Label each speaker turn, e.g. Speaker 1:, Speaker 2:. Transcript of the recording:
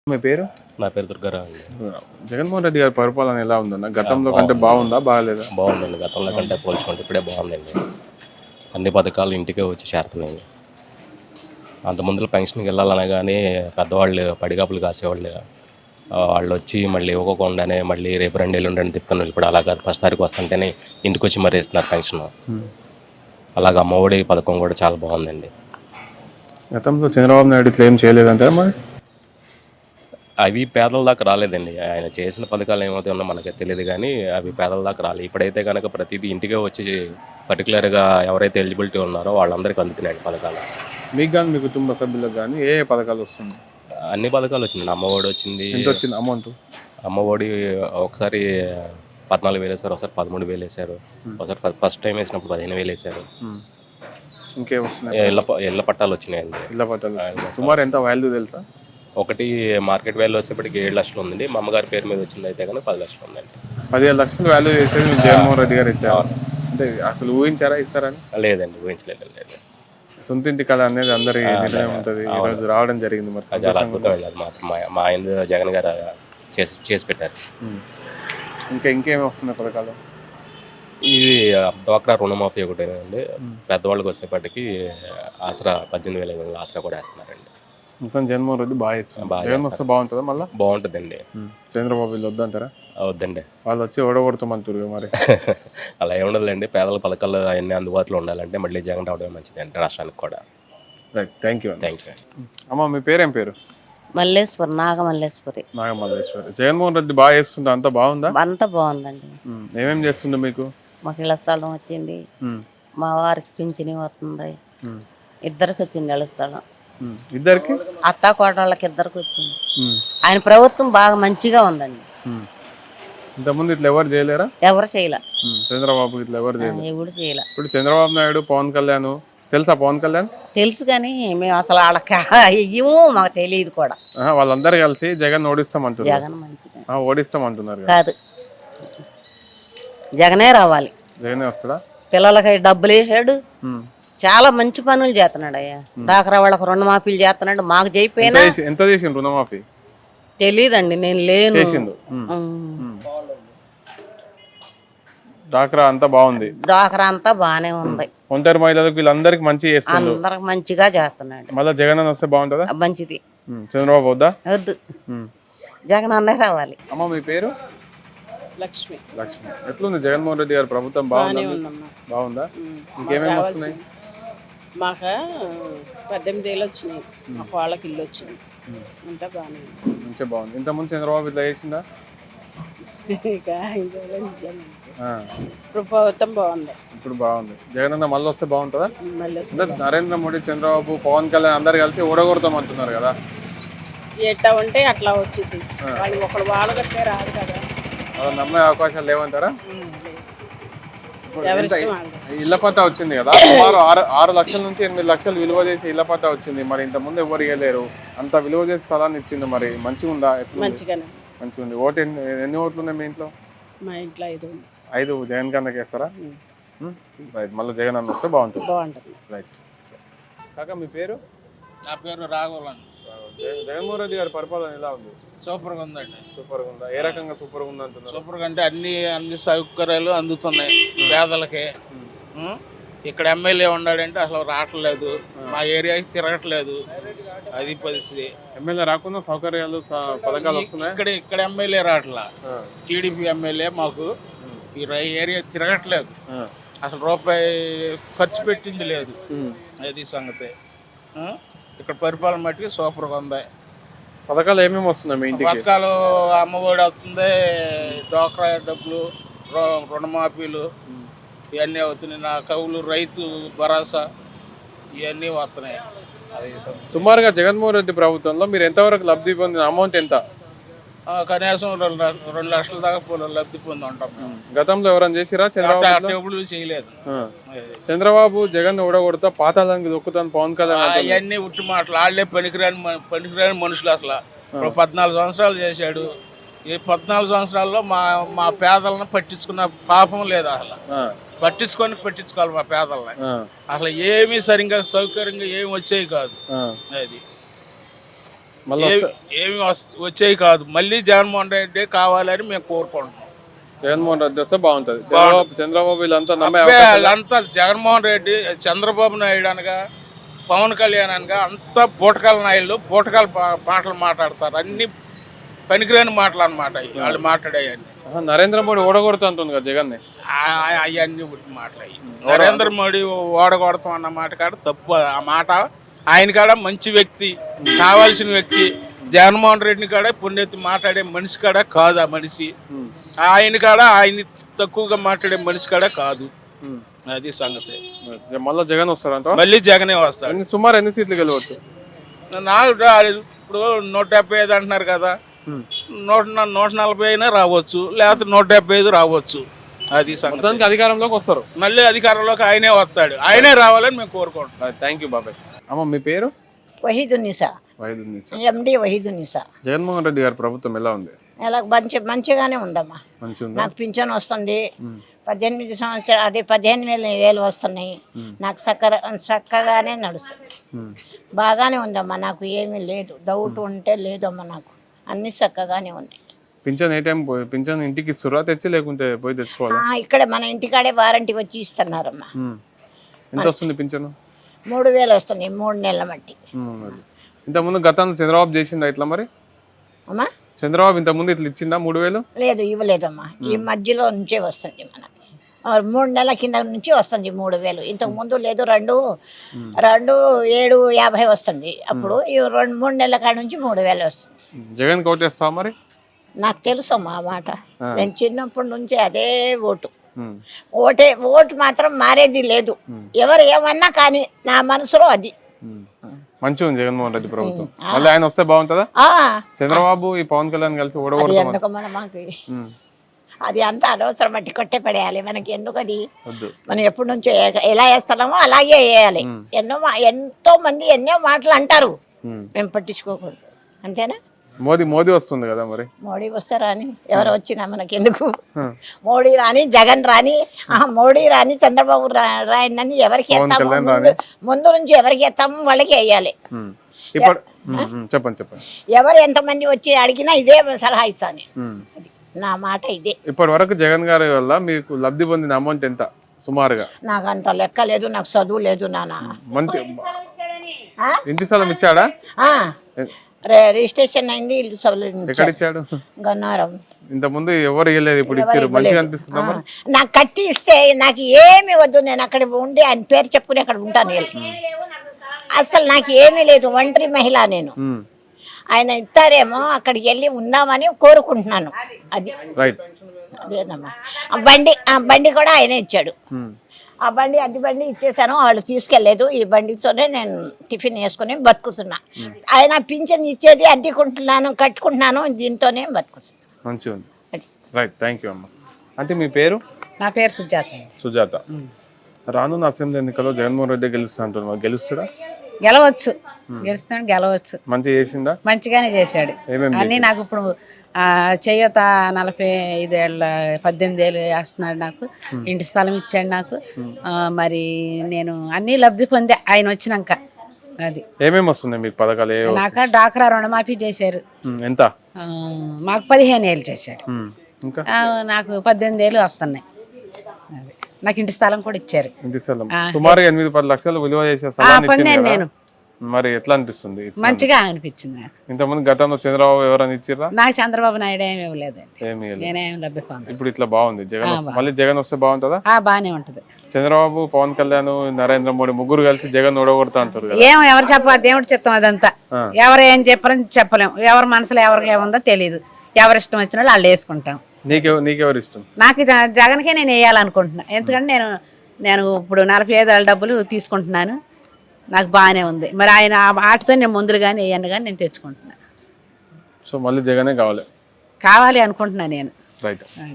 Speaker 1: మీ పేరు?
Speaker 2: నా పేరు దుర్గారావు అండి.
Speaker 1: జగన్మోహన్ రెడ్డి గారి పరిపాలన ఎలా ఉందన్న? గతంలో కంటే బాగుందా బాగాలేదా?
Speaker 2: బాగుందండి. గతంలో కంటే పోల్చుకుంటే ఇప్పుడే బాగుందండి. అన్ని పథకాలు ఇంటికే వచ్చి చేరుతున్నాయి. అంత ముందులో పెన్షన్కి వెళ్ళాలనే కానీ పెద్దవాళ్ళు పడిగాపులు కాసేవాళ్ళు, వాళ్ళు వచ్చి మళ్ళీ ఇవ్వకుండానే మళ్ళీ రేపు 2 ఎల్లుండి తిప్పుకొని ఇప్పుడు అలా కాదు. ఫస్ట్ తారీఖు వస్తుంటేనే ఇంటికి వచ్చి మరీ ఇస్తున్నారు పెన్షన్. అలాగే అమ్మఒడి పథకం కూడా చాలా బాగుందండి.
Speaker 1: గతంలో చంద్రబాబు నాయుడు ఇట్లా ఏం చేయలేదంటారా మరి?
Speaker 2: అవి పేదల దాకా రాలేదండి. ఆయన చేసిన పథకాలు ఏమైతే ఉన్నా మనకి తెలియదు, కానీ అవి పేదల దాకా రాలేదు. ఇప్పుడైతే కనుక ప్రతిదీ ఇంటికే వచ్చి పర్టికులర్గా ఎవరైతే ఎలిజిబిలిటీ ఉన్నారో వాళ్ళందరికీ అందుతున్నాయండి పథకాలు.
Speaker 1: మీకు కానీ మీ కుటుంబ సభ్యులకు కానీ ఏ పథకాలు వస్తుంది?
Speaker 2: అన్ని పథకాలు వచ్చింది. అమ్మఒడి వచ్చింది.
Speaker 1: ఎంత వచ్చింది అమౌంట్?
Speaker 2: అమ్మఒడి ఒకసారి 14,000 వేసారు, ఒకసారి 13,000 వేసారు, ఒకసారి ఫస్ట్ టైం వేసినప్పుడు 15,000 వేసారు.
Speaker 1: ఇంకేం వస్తున్నాయి?
Speaker 2: ఇళ్ళ పట్టాలు వచ్చినాయండి.
Speaker 1: ఇళ్ళ పట్టాలు సుమారు ఎంత వాల్యూ తెలుసా?
Speaker 2: ఒకటి మార్కెట్ వాల్యూ వచ్చేప్పటికి 7 లక్షలు ఉందండి. మా అమ్మగారి పేరు మీద వచ్చింది అయితే కనుక 10 లక్షలు ఉందండి.
Speaker 1: 15 లక్షలు వాల్యూ చేసేది జగన్మోహన్ రెడ్డి గారు ఇచ్చారు అంటే అసలు ఊహించారా ఇస్తారని?
Speaker 2: లేదండి, ఊహించలేదు. లేదు.
Speaker 1: సొంత ఇంటి కళ అనేది అందరి నిర్ణయం ఉంటుంది. ఈరోజు రావడం జరిగింది. మరి
Speaker 2: చాలా అద్భుతం అండి. అది మాత్రం మా ఆయన జగన్ గారు చేసి పెట్టారు.
Speaker 1: ఇంకేమి వస్తున్నాయి పథకాలు?
Speaker 2: ఇది డ్వాక్రా రుణమాఫీ ఒకటేనండి. పెద్దవాళ్ళకి వచ్చేప్పటికి ఆసరా 18,000 ఆసరా కూడా వేస్తున్నారండి.
Speaker 1: మొత్తం జగన్మోహన్ రెడ్డి బాగా ఇస్తున్నారు. జగన్ వస్తే బాగుంటుందా? మళ్ళీ
Speaker 2: బాగుంటుందండి.
Speaker 1: చంద్రబాబు వీళ్ళు వద్దంటారా?
Speaker 2: వద్దండి,
Speaker 1: వాళ్ళు వచ్చి ఓడగొడతామంటారు మరి.
Speaker 2: అలా ఏముండదులేండి. పేదల పథకాలు అవన్నీ అందుబాటులో ఉండాలంటే మళ్ళీ జగన్ రావడమే మంచిది అంటే రాష్ట్రానికి కూడా.
Speaker 1: Right, thank you.
Speaker 2: అమ్మ
Speaker 1: మీ పేరేం పేరు?
Speaker 3: మల్లేశ్వరి, నాగమల్లేశ్వరి.
Speaker 1: జగన్మోహన్ రెడ్డి బాగా చేస్తుందా? అంతా బాగుందా?
Speaker 3: అంతా బాగుందండి.
Speaker 1: ఏమేమి చేస్తుండే మీకు?
Speaker 3: మాకు ఇళ్ల స్థలం వచ్చింది, మా వారికి పింఛని వస్తుంది, ఇద్దరికి వచ్చింది ఇళ్ల స్థలం.
Speaker 1: ఇద్దరికి?
Speaker 3: అత్త కోడళ్ళకి ఇద్దరికి వచ్చింది. ఆయన ప్రభుత్వం బాగా మంచిగా ఉందండి.
Speaker 1: ఇంతకుముందు ఇట్లా ఎవరు చేయలేరా?
Speaker 3: ఎవరు చేయలే.
Speaker 1: చంద్రబాబు ఇట్లా ఎవరు చేయలేదు.
Speaker 3: ఎవరు చేయలే.
Speaker 1: ఇప్పుడు చంద్రబాబు నాయుడు, పవన్ కళ్యాణ్ తెలుసా? పవన్ కళ్యాణ్
Speaker 3: తెలుసు, కానీ మేము అసలు వాళ్ళకి ఇయ్యము, మాకు తెలియదు కూడా.
Speaker 1: వాళ్ళందరూ కలిసి జగన్ ఓడిస్తామంటున్నారు.
Speaker 3: జగన్ మంచిగా
Speaker 1: ఓడిస్తామంటున్నారు
Speaker 3: కాదు, జగనే రావాలి.
Speaker 1: జగనే వస్తాడా?
Speaker 3: పిల్లలకి డబ్బులు వేసాడు, చాలా మంచి పనులు చేస్తున్నాడు. అయ్యా డాక్రా వాళ్ళకి రుణమాఫీలు చేస్తున్నాడు. మాకు చేయిపోయినా
Speaker 1: ఎంత చేసిండు రుణమాఫీ?
Speaker 3: తెలీదండి, నేను లేను.
Speaker 1: డాక్రా అంతా బాగుంది.
Speaker 3: డాక్రా అంతా బానే ఉంది.
Speaker 1: ఒంటరి మహిళలకు వీళ్ళందరికి మంచి చేస్తున్నాడు.
Speaker 3: అందరికి మంచిగా చేస్తున్నాడు.
Speaker 1: మళ్ళీ జగన్ వస్తే బాగుంటుందా?
Speaker 3: మంచిది.
Speaker 1: చంద్రబాబు వద్దా?
Speaker 3: వద్దు, జగన్ అన్నే రావాలి.
Speaker 1: అమ్మ మీ పేరు?
Speaker 4: లక్ష్మి.
Speaker 1: ఎట్లుంది జగన్మోహన్ రెడ్డి గారి ప్రభుత్వం? బాగుందా? ఇంకేమేమి వస్తున్నాయి?
Speaker 4: మాకు 18 ఏళ్ళు వచ్చినాయి. మాకు వాళ్ళకి ఇల్లు వచ్చింది. అంతా బాగానే
Speaker 1: మంచిగా బాగుంది. ఇంతకుముందు చంద్రబాబు ఇట్లా చేసిందా?
Speaker 4: ఇప్పుడు ప్రభుత్వం బాగుంది.
Speaker 1: ఇప్పుడు బాగుంది. జగన్ అన్న మళ్ళీ వస్తే బాగుంటుందా? నరేంద్ర మోడీ, చంద్రబాబు, పవన్ కళ్యాణ్ అందరు కలిసి ఓడగొడతాం అంటున్నారు కదా.
Speaker 4: ఎట్లా ఉంటే అట్లా వచ్చింది. వాళ్ళు ఒకళ్ళు వాళ్ళు కట్టే రాదు కదా.
Speaker 1: అలా నమ్మే అవకాశాలు లేవంటారా? ఇళ్ల పట్టా వచ్చింది కదా, సుమారు 6 లక్షల నుంచి 8 లక్షలు విలువ చేసి ఇళ్ల పట్టా వచ్చింది. మరి ఇంత ముందు ఎవరు ఇవ్వలేరు, అంత విలువ చేసి స్థలాన్ని ఇచ్చింది. మరి మంచిగా ఉందా? మంచిగా ఉంది. ఓటు ఎన్ని ఓట్లు ఉన్నాయి మీ ఇంట్లో?
Speaker 4: మా ఇంట్లో
Speaker 1: 5. జగన్ కన్నా వేస్తారా? రైట్, మళ్ళీ జగన్ అన్న వస్తే బాగుంటుంది. రైట్. కాకా మీ పేరు?
Speaker 5: నా పేరు రాఘవన్.
Speaker 1: జగన్మోహన్ రెడ్డి గారి పరిపాలన ఎలా ఉంది?
Speaker 5: సూపర్గా ఉందండి.
Speaker 1: సూపర్గా ఉందా? ఏ రకంగా సూపర్గా ఉంది అంటున్నారు?
Speaker 5: సూపర్గా అంటే అన్ని సౌకర్యాలు అందుతున్నాయి పేదలకి. ఇక్కడ ఎమ్మెల్యే ఉన్నాడంటే అసలు రావట్లేదు, మా ఏరియాకి తిరగట్లేదు. అది పరిస్థితి.
Speaker 1: ఎమ్మెల్యే రాకుండా సౌకర్యాలు పథకాలు వస్తున్నాయి.
Speaker 5: ఇక్కడ ఎమ్మెల్యే రావట్లా. టీడీపీ ఎమ్మెల్యే మాకు ఈ ఏరియా తిరగట్లేదు. అసలు రూపాయి ఖర్చు పెట్టింది లేదు. అది సంగతి. ఇక్కడ పరిపాలన మట్టికి సూపర్గా ఉంది.
Speaker 1: పథకాలు ఏమేమి వస్తున్నాయి మీ ఇంటికి?
Speaker 5: పథకాలు అమ్మఒడి వస్తుంది, డ్వాక్రా డబ్బులు, రుణమాఫీలు ఇవన్నీ అవుతున్నాయి. నా కవులు, రైతు భరోసా ఇవన్నీ వస్తున్నాయి. అది
Speaker 1: సుమారుగా జగన్మోహన్ రెడ్డి ప్రభుత్వంలో మీరు ఎంతవరకు లబ్ధి పొందిన అమౌంట్ ఎంత?
Speaker 5: కనీసం 2 లక్షల దాకా లబ్ధి పొంది ఉంటాం.
Speaker 1: గతంలో ఎవరైనా చేసిరా?
Speaker 5: చంద్రబాబు చేయలేదు.
Speaker 1: చంద్రబాబు జగన్ ఓడగొడతా పాతాళానికి దొక్కుతాను పవన్ కళ్యాణ్
Speaker 5: అవన్నీ ఉట్టి మాటలు. వాళ్ళే పనికిరాని మనుషులు. అసలు 14 సంవత్సరాలు చేశాడు. ఈ 14 సంవత్సరాల్లో మా పేదలను పట్టించుకున్న పాపం లేదు. అసలు పట్టించుకోవాలి మా పేదలని. అసలు ఏమీ సరిగ్గా సౌకర్యంగా ఏమి వచ్చేవి కాదు. అది
Speaker 1: మళ్ళీ
Speaker 5: ఏమి వచ్చేవి కాదు. మళ్ళీ జగన్మోహన్ రెడ్డి కావాలని మేము కోరుకుంటున్నాం.
Speaker 1: జగన్మోహన్ రెడ్డి వస్తే బాగుంటది. చంద్రబాబు వీళ్ళంతా నమ్మే
Speaker 5: వాళ్ళంతా జగన్మోహన్ రెడ్డి, చంద్రబాబు నాయుడు అనగా, పవన్ కళ్యాణ్ అనగా అంతా బూటకాల నాయుళ్ళు బూటకాల మాటలు మాట్లాడతారు. అన్ని పనికిరాని మాటలు అన్నమాట వాళ్ళు మాట్లాడేవన్నీ.
Speaker 1: నరేంద్ర మోడీ ఓడగొడుతూ అంటుంది కదా జగన్ ని.
Speaker 5: అవన్నీ మాట్లాడి నరేంద్ర మోడీ ఓడగొడతాం అన్న మాట కాడ తప్పు. ఆ మాట ఆయన కాడ మంచి వ్యక్తి, కావాల్సిన వ్యక్తి. జగన్మోహన్ రెడ్డిని కాడ పుణ్యతి మాట్లాడే మనిషి కాడ కాదు ఆ మనిషి. ఆయన కాడ ఆయన తక్కువగా మాట్లాడే మనిషి కాడ కాదు. అది సంగతి.
Speaker 1: మళ్ళీ జగన్ వస్తారంట.
Speaker 5: మళ్ళీ జగనే వస్తాడు.
Speaker 1: సుమారు ఎన్ని సీట్లు గెలవచ్చు?
Speaker 5: నాకు ఇప్పుడు 175 అంటున్నారు కదా, 140 అయినా రావచ్చు, లేకపోతే 175 రావచ్చు. అది సంగతి.
Speaker 1: అధికారంలోకి వస్తారు.
Speaker 5: మళ్ళీ అధికారంలోకి ఆయనే వస్తాడు. ఆయనే రావాలని మేము కోరుకుంటున్నాం.
Speaker 1: థ్యాంక్ యూ బాబాయ్. అమ్మ మీ పేరు?
Speaker 6: వహీదున్నిసా. ఎండి వహీదున్నిసా.
Speaker 1: జగన్మోహన్ రెడ్డి గారి ప్రభుత్వం ఎలా ఉంది?
Speaker 6: ఎలా మంచిగానే ఉందమ్మా. నాకు పింఛన్ వస్తుంది. 18 సంవత్సరాలు, అదే 15,000 వస్తున్నాయి. నాకు చక్కగానే నడుస్తుంది. బాగానే ఉందమ్మా. నాకు ఏమీ లేదు, డౌట్ ఉంటే లేదమ్మా. నాకు అన్ని చక్కగానే ఉన్నాయి.
Speaker 1: పింఛన్ ఏ టైం పింఛన్ ఇంటికి ఇస్తురా తెచ్చి, లేకుంటే పోయి తెచ్చుకోవాలా?
Speaker 6: ఇక్కడ మన ఇంటికాడే వారంటీ వచ్చి ఇస్తున్నారమ్మా.
Speaker 1: ఎంత వస్తుంది పింఛను?
Speaker 6: 3,000 వస్తున్నాయి 3 నెలల మట్టి.
Speaker 1: ఇంతకుముందు గతంలో చంద్రబాబు చేసిందా ఇట్లా? మరి
Speaker 6: అమ్మా
Speaker 1: చంద్రబాబు ఇంతకుముందు ఇట్లా ఇచ్చిందా 3,000?
Speaker 6: లేదు, ఇవ్వలేదమ్మా. ఈ మధ్యలో నుంచే వస్తుంది మనకి. 3 నెలల కింద నుంచి వస్తుంది 3,000. ఇంతకు ముందు లేదు, 2,750 వస్తుంది. అప్పుడు ఈ 3 నెలల కాడ నుంచి 3,000 వస్తుంది.
Speaker 1: జగన్ కోటేస్తావా మరి?
Speaker 6: నాకు తెలుసు అమ్మా ఆ మాట. నేను చిన్నప్పటి నుంచి అదే ఓటు. ఓటు మాత్రం మారేది లేదు. ఎవరు ఏమన్నా కానీ నా మనసులో అది.
Speaker 1: మంచిగా ఉంది జగన్మోహన్ రెడ్డి ప్రభుత్వం. మళ్ళీ ఆయన వస్తే బాగుంటుందా? చంద్రబాబు ఈ పవన్ కళ్యాణ్ కలిసి
Speaker 6: ఎందుకు మనకి అది అంతా అనవసరం. బట్టి కొట్టే పడేయాలి. మనకి ఎందుకు అది? మనం ఎప్పటి నుంచో ఎలా వేస్తున్నామో అలాగే వేయాలి. ఎంతో మంది ఎన్నో మాటలు అంటారు, మేము పట్టించుకోకూడదు. అంతేనా?
Speaker 1: మోదీ వస్తుంది కదా మరి.
Speaker 6: మోడీ వస్తే రాని, ఎవరు వచ్చినా మనకి ఎందుకు? మోడీ రాని, జగన్ రాని, మోడీ రాని, చంద్రబాబు రాని, ఎవరికి ఎత్తాము ముందు నుంచి ఎవరికి ఎత్తాము వాళ్ళకి వేయాలి.
Speaker 1: చెప్పండి.
Speaker 6: ఎవరు ఎంతమంది వచ్చి అడిగినా ఇదే సలహా ఇస్తాను. నా మాట ఇదే.
Speaker 1: ఇప్పటి వరకు జగన్ గారి వల్ల మీకు లబ్ధి పొందిన అమౌంట్ ఎంత సుమారుగా?
Speaker 6: నాకు అంత లెక్క లేదు, నాకు చదువు లేదు నాన్న.
Speaker 1: మంచి ఇంటి స్థలం ఇచ్చాడా?
Speaker 6: రిజిస్ట్రేషన్ అయింది. ఇల్లు
Speaker 1: ఎక్కడ ఇచ్చాడు?
Speaker 6: గన్నారం.
Speaker 1: ఇంత ముందు ఎవరు ఇవ్వలేదు, ఇప్పుడు ఇచ్చారు. మంచిగా అనిపిస్తుందా?
Speaker 6: నాకు కట్టి ఇస్తే నాకు ఏమి వద్దు, నేను అక్కడ ఉండి ఆయన పేరు చెప్పుకుని అక్కడ ఉంటాను. అసలు నాకు ఏమీ లేదు, ఒంటరి మహిళ నేను. ఆయన ఇస్తారేమో అక్కడికి వెళ్ళి ఉందామని కోరుకుంటున్నాను. అది అదేనమ్మా. ఆ బండి కూడా ఆయనే ఇచ్చాడు. ఆ బండి అద్దె బండి ఇచ్చేసాను, వాళ్ళు తీసుకెళ్లేదు. ఈ బండితోనే నేను టిఫిన్ వేసుకుని బతుకుతున్నా. ఆయన పింఛన్ ఇచ్చేది అద్దెకుంటున్నాను, కట్టుకుంటున్నాను, దీంతోనే బతుకుతున్నాను.
Speaker 1: మంచిగా ఉంది. రైట్, థ్యాంక్ యూ అమ్మ. అంటే మీ పేరు?
Speaker 3: నా పేరు సుజాత.
Speaker 1: సుజాత. రానున్న అసెంబ్లీ ఎన్నికల్లో జగన్మోహన్ రెడ్డి గెలుస్తా అంటున్నారు, గెలుస్తాడా?
Speaker 3: గెలవచ్చు, గెలవచ్చు.
Speaker 1: మంచిగా చేసిందా?
Speaker 3: మంచిగానే చేశాడు అన్ని. నాకు ఇప్పుడు చేయూత 45 ఏళ్ళ 18 ఏళ్ళు వేస్తున్నాడు. నాకు ఇంటి స్థలం ఇచ్చాడు నాకు. మరి నేను అన్ని లబ్ధి పొందే ఆయన వచ్చినాక. అది
Speaker 1: ఏమేమి వస్తున్నాయి మీకు పథకాలు?
Speaker 3: నాకు డాక్రా రుణమాఫీ చేశారు.
Speaker 1: ఎంత?
Speaker 3: మాకు 15 ఏళ్ళు చేశాడు. నాకు 18 ఏళ్ళు వస్తున్నాయి. నాకు ఇంటి స్థలం కూడా ఇచ్చారు.
Speaker 1: ఇంటి స్థలం సుమారు 8-10 లక్షలు విలువ చేసే స్థలాన్ని ఇచ్చారు
Speaker 3: నేను.
Speaker 1: మరి ఎట్లా అనిపిస్తుంది?
Speaker 3: మంచిగా అనిపించింది.
Speaker 1: ఇంతకుముందు గతంలో చంద్రబాబు ఎవరైనా ఇచ్చిరా?
Speaker 3: నాకు చంద్రబాబు నాయుడు ఏమి ఇవ్వలేదండి.
Speaker 1: నేనేం
Speaker 3: లబ్ధి పొందాను.
Speaker 1: ఇప్పుడు ఇట్లా బాగుంది. జగన్ మళ్ళీ జగన్ వస్తే బాగుంటుందా?
Speaker 3: బాగానే ఉంటది.
Speaker 1: చంద్రబాబు, పవన్ కళ్యాణ్, నరేంద్ర మోడీ ముగ్గురు కలిసి జగన్ ఓడగొడతా అంటారు.
Speaker 3: ఎవరు చెప్పాలి? దేవుడు చెప్తాం. అదంతా ఎవరు ఏం చెప్పారని చెప్పలేము. ఎవరి మనసులో ఎవరికి ఏముందో తెలియదు. ఎవరి ఇష్టం వచ్చిన వాళ్ళు వేసుకుంటాం.
Speaker 1: నీకెవరు ఇష్టం?
Speaker 3: నాకు జగన్కే నేను వేయాలనుకుంటున్నా. ఎందుకంటే నేను ఇప్పుడు 45 ఏళ్ళ డబ్బులు తీసుకుంటున్నాను. నాకు బాగానే ఉంది. మరి ఆయన ఆటతో నేను ముందులు కానీ వేయను కానీ నేను తెచ్చుకుంటున్నాను.
Speaker 1: సో మళ్ళీ జగనే కావాలి
Speaker 3: అనుకుంటున్నాను నేను.
Speaker 1: రైట్.